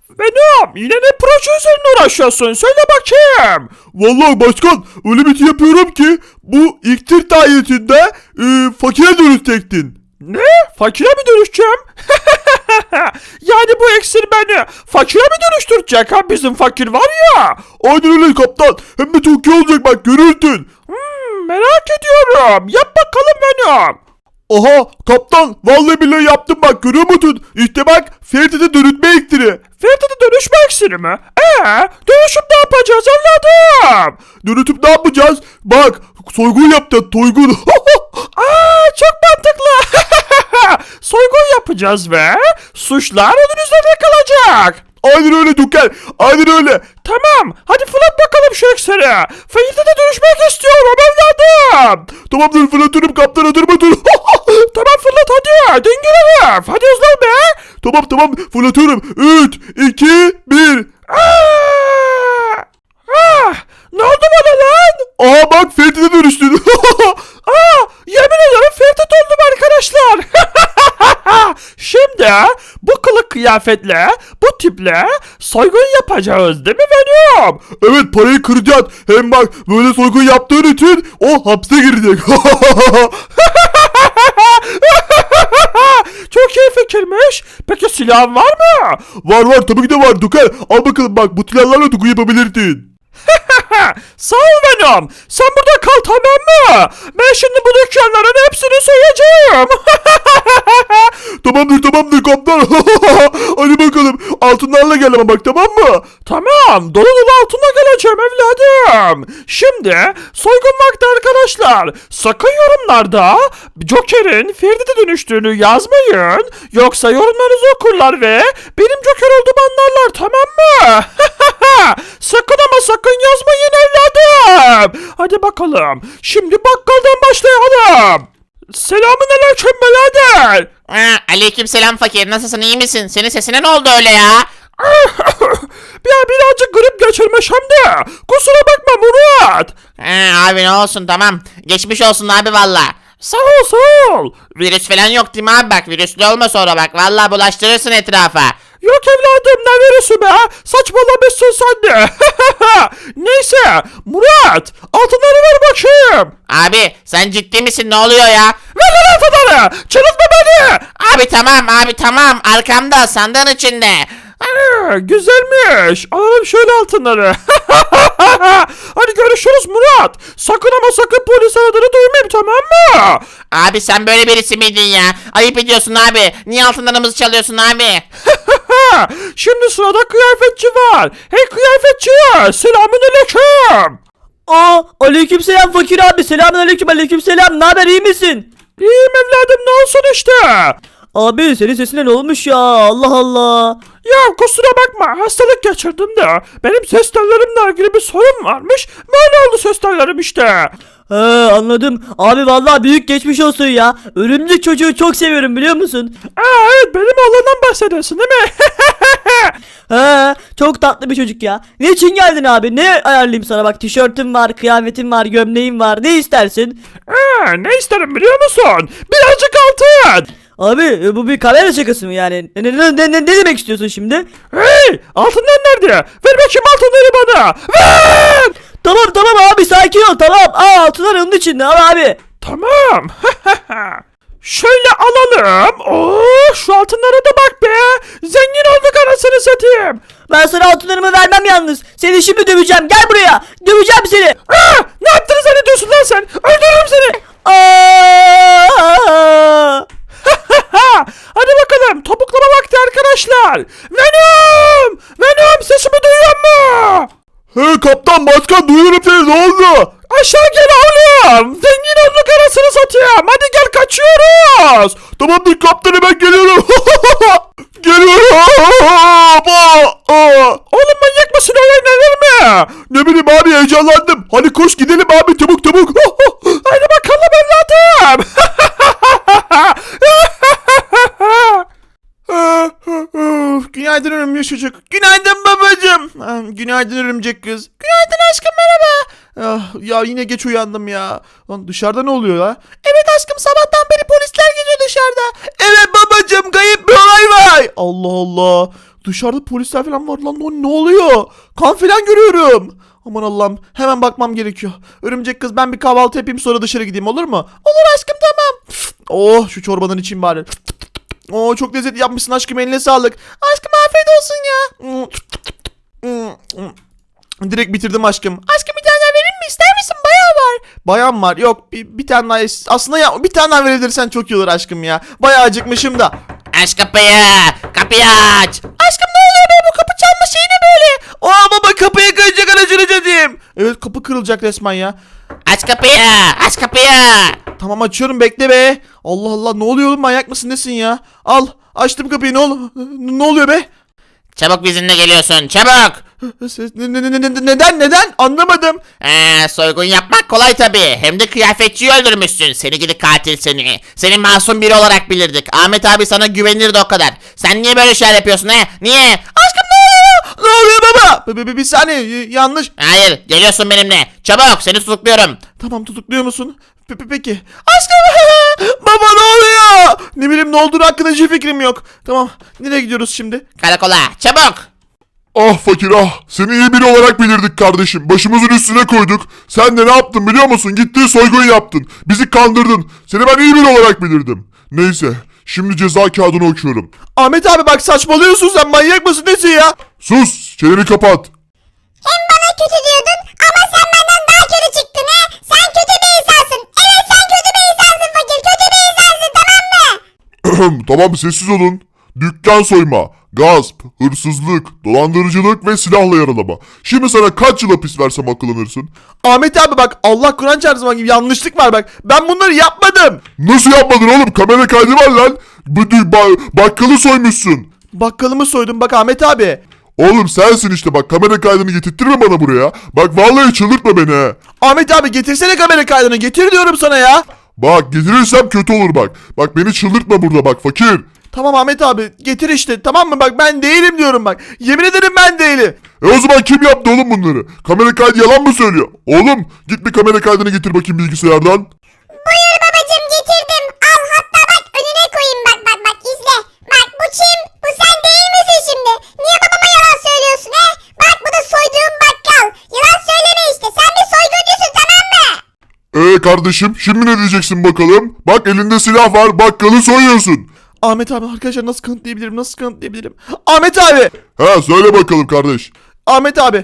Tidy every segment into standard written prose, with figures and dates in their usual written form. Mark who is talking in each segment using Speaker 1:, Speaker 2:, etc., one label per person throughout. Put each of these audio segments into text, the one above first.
Speaker 1: Venom, yine ne proje üzerine uğraşıyorsun? Söyle bakayım.
Speaker 2: Vallahi başkan öyle bir şey yapıyorum ki bu iksir sayesinde fakire dönüşecektin.
Speaker 1: Ne? Fakire mi dönüşeceğim? Yani bu iksir beni fakire mi dönüştürecek ha? Bizim fakir var ya.
Speaker 2: Aynen öyle kaptan. Hem de çok iyi olacak bak görürsün.
Speaker 1: Merak ediyorum. Yap bakalım Venom.
Speaker 2: Aha kaptan vallahi billahi yaptım bak görüyor musun? İşte bak Ferit'e dönüşme iksiri.
Speaker 1: Ferdi'de dönüşme iksiri mi? Dönüşüp ne yapacağız evladım?
Speaker 2: Dönüşüp ne yapacağız? Bak soygun yapacağız soygun.
Speaker 1: Çok mantıklı. Soygun yapacağız ve suçlar onun üzerine kalacak.
Speaker 2: Aynen öyle Duker. Aynen öyle.
Speaker 1: Tamam, hadi fırlat bakalım şu iksiri. Ferdi'de dönüşmek istiyorum evladım.
Speaker 2: Tamamdır fırlatıyorum kaptan hazır dur.
Speaker 1: Tamam fırlat hadi. Dingil herif. Hadi hızlı ol be.
Speaker 2: Tamam fırlatıyorum. 3, 2, 1.
Speaker 1: Ne oldu bana lan?
Speaker 2: Aa bak Ferit'e dönüştün.
Speaker 1: Yemin ederim Ferdi oldum arkadaşlar. Şimdi bu kılık kıyafetle, bu tiple soygun yapacağız değil mi Venom?
Speaker 2: Evet parayı kıracağız. Hem bak böyle soygun yaptığın için o hapse girecek.
Speaker 1: Çok iyi fikirmiş. Peki silahın var mı?
Speaker 2: Var tabii ki de var Duker. Al bakalım bak bu silahlarla soygun yapabilirsin.
Speaker 1: Sağ ol Venom. Sen burada kal tamam mı? Ben şimdi bu dükkanların hepsini soyacağım.
Speaker 2: Tamamdır kaptan. Hadi bakalım altınlarla gel ama bak tamam mı?
Speaker 1: Tamam, dolu dolu altına geleceğim evladım. Şimdi soygun vakti arkadaşlar. Sakın yorumlarda Joker'in Ferdi'de dönüştüğünü yazmayın. Yoksa yorumlarınızı okurlar ve benim Joker olduğumu anlarlar tamam mı? Sakın ama sakın yazmayın evladım. Hadi bakalım. Şimdi bakkaldan başlayalım. Selamünaleyküm birader.
Speaker 3: Aleykümselam fakir, nasılsın, iyi misin? Senin sesine ne oldu öyle ya?
Speaker 1: Birazcık grip geçirmiş hem de. Kusura bakma Murat.
Speaker 3: Abi ne olsun, tamam. Geçmiş olsun abi valla.
Speaker 1: Sağ ol.
Speaker 3: Virüs falan yok değil mi abi, bak virüslü olma sonra bak. Valla bulaştırırsın etrafa.
Speaker 1: Yok evladım ne virüsü be? Saçmalamışsın sen de. Neyse Murat altınları ver bakayım.
Speaker 3: Abi sen ciddi misin, ne oluyor ya?
Speaker 1: Ver lan altınları. Çırıltma beni.
Speaker 3: Abi tamam, arkamda sandığın içinde.
Speaker 1: Güzelmiş. Alalım şöyle altınları. Hadi görüşürüz Murat. Sakın ama sakın polis aradığını duymayayım tamam mı?
Speaker 3: Abi sen böyle birisi miydin ya? Ayıp ediyorsun abi. Niye altınlarımızı çalıyorsun abi?
Speaker 1: Şimdi sırada kıyafetçi var. Hey kıyafetçi. Selamünaleyküm.
Speaker 4: Aleykümselam fakir abi. Aleykümselam. Ne haber, iyi misin?
Speaker 1: İyiyim evladım ne olsun işte.
Speaker 4: Abi senin sesine ne olmuş ya? Allah Allah.
Speaker 1: Ya kusura bakma hastalık geçirdim de benim ses tellerimle ilgili bir sorun varmış. Böyle oldu ses tellerim işte.
Speaker 4: He, anladım. Abi vallahi büyük geçmiş olsun ya. Örümcek çocuğu çok seviyorum biliyor musun?
Speaker 1: Evet benim oğlandan bahsediyorsun değil mi?
Speaker 4: He, çok tatlı bir çocuk ya. Ne için geldin abi? Ne ayarlayayım sana? Bak tişörtüm var, kıyafetim var, gömleğim var. Ne istersin?
Speaker 1: Ne isterim biliyor musun? Birazcık altın.
Speaker 4: Abi bu bir kamera şakası mı yani? Ne demek istiyorsun şimdi?
Speaker 1: Hey altınlar nerede? Ver bakayım altınları bana. Ver.
Speaker 4: Tamam abi sakin ol tamam. Altınlar onun içinde al abi.
Speaker 1: Tamam. Şöyle alalım. Şu altınlara da bak be. Zengin olduk anasını satayım.
Speaker 4: Ben sana altınlarımı vermem yalnız. Seni şimdi döveceğim. Gel buraya. Döveceğim seni.
Speaker 1: Ne yaptığını zannediyorsun lan sen? Öldürürüm seni. Hadi bakalım topuklama vakti arkadaşlar. Venom sesimi duyuyor mu?
Speaker 2: He kaptan başkan duyuyorum seni ne oldu?
Speaker 1: Aşağı gel oğlum. Zengin olduk arasını satayım. Hadi gel kaçıyoruz.
Speaker 2: Tamamdır kaptan hemen geliyorum. Geliyorum.
Speaker 1: Oğlum manyak mısın öyle neler mi?
Speaker 2: Ne bileyim abi heyecanlandım. Hadi koş gidelim abi çabuk.
Speaker 1: Hadi bakalım evladım.
Speaker 2: Günaydın örümcek çocuk. Günaydın babacım. Günaydın örümcek kız. Günaydın aşkım merhaba. Ya yine geç uyandım ya. Lan dışarıda ne oluyor ya? Evet aşkım, sabahtan beri polisler geziyor dışarıda. Evet babacığım, kayıp bir olay var. Allah Allah. Dışarıda polisler falan var lan. Ne oluyor? Kan falan görüyorum. Aman Allah'ım, hemen bakmam gerekiyor. Örümcek kız, ben bir kahvaltı yapayım, sonra dışarı gideyim, olur mu? Olur aşkım, tamam. Oh, şu çorbadan içeyim bari. Oo, çok lezzetli yapmışsın aşkım, eline sağlık. Aşkım afiyet olsun ya. Direkt bitirdim aşkım. Aşkım bir tane daha verir mi? İster misin? Bayağı var. Bayan var. Yok, bir tane daha. Aslında ya bir tane daha verebilirsen çok iyi olur aşkım ya. Bayağı acıkmışım da.
Speaker 3: Aç kapıyı. Kapıyı aç.
Speaker 2: Aşkım ne oluyor be, bu kapı çalma şeyi ne böyle? Aa baba, kapıyı kıracak aracını dedim. Evet, kapı kırılacak resmen ya.
Speaker 3: Aç kapıyı. Aç kapıyı.
Speaker 2: Tamam, açıyorum, bekle be. Allah Allah, ne oluyor oğlum, manyak mısın nesin ya? Al, açtım kapıyı, ne oluyor be?
Speaker 3: Çabuk bizimle geliyorsun. Çabuk.
Speaker 2: Neden anlamadım.
Speaker 3: Soygun yapmak kolay tabii. Hem de kıyafetçiyi öldürmüşsün. Seni gidi katil seni. Seni masum biri olarak bilirdik. Ahmet abi sana güvenirdi o kadar. Sen niye böyle şeyler yapıyorsun he? Niye?
Speaker 2: Aşkım ne oluyor? Ne oluyor baba? Bir saniye, yanlış.
Speaker 3: Hayır, geliyorsun benimle. Çabuk, seni tutukluyorum.
Speaker 2: Tamam, tutukluyor musun? Peki. Aşkım baba, ne oluyor? Ne bileyim, ne olduğunu hakkında hiçbir fikrim yok. Tamam, nereye gidiyoruz şimdi?
Speaker 3: Karakola, çabuk.
Speaker 5: Ah fakir ah, seni iyi biri olarak bilirdik kardeşim. Başımızın üstüne koyduk. Sen de ne yaptın biliyor musun? Gittin soygun yaptın. Bizi kandırdın. Seni ben iyi biri olarak bilirdim. Neyse, şimdi ceza kağıdını okuyorum.
Speaker 2: Ahmet abi bak, saçmalıyorsun, sen manyak mısın nesin ya?
Speaker 5: Sus, çeneni kapat.
Speaker 6: Hem bana kötü diyordun ama sen benden daha kötü çıktın he. Sen kötü bir insansın. Evet, sen kötü bir insansın fakir. Kötü bir insansın, tamam mı?
Speaker 5: Tamam, sessiz olun. Dükkan soyma, gasp, hırsızlık, dolandırıcılık ve silahla yaralama. Şimdi sana kaç yıl hapis versem akıllanırsın?
Speaker 2: Ahmet abi bak, Allah Kur'an çarpsın, bak yanlışlık var bak. Ben bunları yapmadım.
Speaker 5: Nasıl yapmadın oğlum? Kamera kaydı var lan. Bakkalı soymuşsun.
Speaker 2: Bakkalımı soydum bak Ahmet abi.
Speaker 5: Oğlum sensin işte, bak kamera kaydını getirttirme bana buraya. Bak vallahi çıldırtma beni he.
Speaker 2: Ahmet abi getirsene kamera kaydını, getir diyorum sana ya.
Speaker 5: Bak getirirsem kötü olur bak. Bak beni çıldırtma burada bak fakir.
Speaker 2: Tamam Ahmet abi, getir işte, tamam mı? Bak ben değilim diyorum bak. Yemin ederim ben değilim.
Speaker 5: O zaman kim yaptı oğlum bunları? Kamera kaydı yalan mı söylüyor? Oğlum git bir kamera kaydını getir bakayım bilgisayardan.
Speaker 6: Buyur babacım, getirdim. Al, hatta bak önüne koyayım, bak izle. Bak bu kim? Bu sen değil misin şimdi? Niye babama yalan söylüyorsun he? Bak bu da soyduğum bakkal. Yalan söyleme işte. Sen bir soyguncusun, tamam mı?
Speaker 5: Kardeşim şimdi ne diyeceksin bakalım? Bak elinde silah var, bakkalı soyuyorsun.
Speaker 2: Ahmet abi, arkadaşlar nasıl kanıtlayabilirim? Ahmet abi.
Speaker 5: Ha söyle bakalım kardeş.
Speaker 2: Ahmet abi,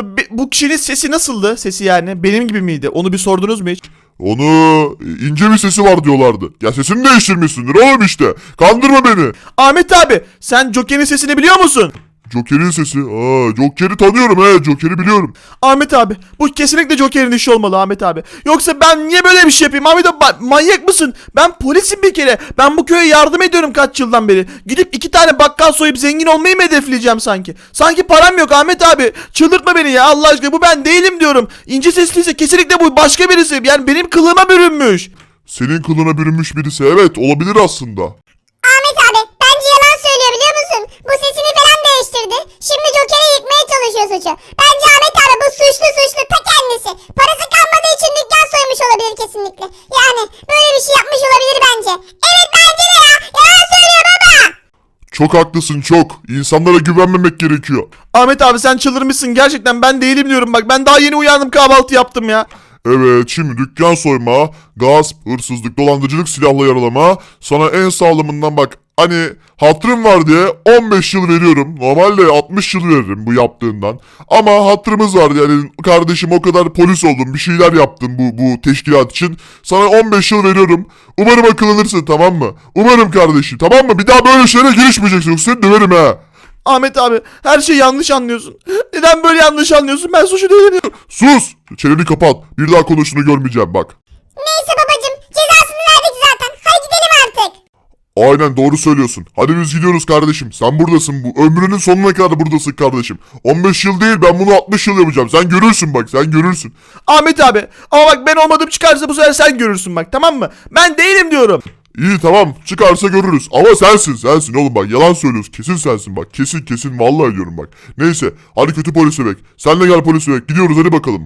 Speaker 2: bu kişinin sesi nasıldı? Sesi yani benim gibi miydi? Onu bir sordunuz mu hiç?
Speaker 5: Onu ince bir sesi var diyorlardı. Ya sesini değiştirmişsindir oğlum işte. Kandırma beni.
Speaker 2: Ahmet abi, sen Joker'in sesini biliyor musun?
Speaker 5: Joker'in sesi. Joker'i tanıyorum he. Joker'i biliyorum.
Speaker 2: Ahmet abi, bu kesinlikle Joker'in işi olmalı Ahmet abi. Yoksa ben niye böyle bir şey yapayım Ahmet abi? Manyak mısın? Ben polisim bir kere. Ben bu köye yardım ediyorum kaç yıldan beri. Gidip 2 tane bakkal soyup zengin olmayı mı hedefleyeceğim sanki? Sanki param yok Ahmet abi. Çıldırtma beni ya Allah aşkına. Bu ben değilim diyorum. İnce sesliyse kesinlikle bu başka birisi. Yani benim kılığıma bürünmüş.
Speaker 5: Senin kılına bürünmüş birisi. Evet olabilir aslında.
Speaker 6: Ahmet abi bence yalan söylüyor, biliyor musun? Bu sesini falan değiştirdi. Şimdi Joker'i yıkmaya çalışıyor suçu. Bence Ahmet abi bu suçlu ta kendisi. Parası kalmadığı için dükkan soymuş olabilir kesinlikle. Yani böyle bir şey yapmış olabilir bence. Evet bence de ya. Yalan söylüyor baba.
Speaker 5: Çok haklısın çok. İnsanlara güvenmemek gerekiyor.
Speaker 2: Ahmet abi sen çıldırmışsın gerçekten, ben değilim diyorum bak. Ben daha yeni uyandım, kahvaltı yaptım ya.
Speaker 5: Evet şimdi dükkan soyma, gasp, hırsızlık, dolandırıcılık, silahla yaralama. Sana en sağlamından bak. Hani hatırım var diye 15 yıl veriyorum. Normalde 60 yıl veririm bu yaptığından. Ama hatırımız var yani kardeşim, o kadar polis oldum, bir şeyler yaptım bu teşkilat için. Sana 15 yıl veriyorum. Umarım akıllanırsın, tamam mı? Umarım kardeşim, tamam mı? Bir daha böyle şeylere girişmeyeceksin, yoksa seni döverim ha.
Speaker 2: Ahmet abi, her şeyi yanlış anlıyorsun. Neden böyle yanlış anlıyorsun? Ben suçlu değilim.
Speaker 5: Sus! Çeneni kapat. Bir daha konuştuğunu görmeyeceğim bak.
Speaker 6: Neyse babacım, cezasını verdik zaten. Hadi gidelim artık.
Speaker 5: Aynen doğru söylüyorsun. Hadi biz gidiyoruz kardeşim. Sen buradasın bu. Ömrünün sonuna kadar buradasın kardeşim. 15 yıl değil, ben bunu 60 yıl yapacağım. Sen görürsün bak, sen görürsün.
Speaker 2: Ahmet abi, ama bak ben olmadığım çıkarsa bu sefer sen görürsün bak, tamam mı? Ben değilim diyorum.
Speaker 5: İyi tamam, çıkarsa görürüz. Ama sensin oğlum, bak yalan söylüyorsun. Kesin sensin bak. Kesin vallahi diyorum bak. Neyse hadi kötü polis bebek. Sen de gel polis bebek. Gidiyoruz hadi bakalım.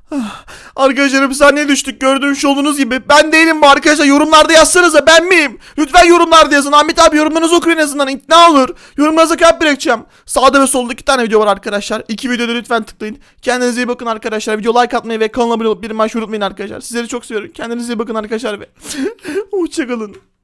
Speaker 2: Arkadaşlar hapishaneye düştük gördüğünüz olduğunuz gibi. Ben değilim bu arkadaşlar, yorumlarda yazsanıza ben miyim? Lütfen yorumlarda yazın. Ahmet abi yorumlarınızı okuyun en azından, ikna olur. Yorumlarınıza kalp bırakacağım. Sağda ve solda 2 tane video var arkadaşlar. 2 videoda lütfen tıklayın. Kendinize iyi bakın arkadaşlar. Video like atmayı ve kanala abone olup bildirim açmayı unutmayın arkadaşlar. Sizleri çok seviyorum. Kendinize iyi bakın arkadaşlar ve hoşçakalın.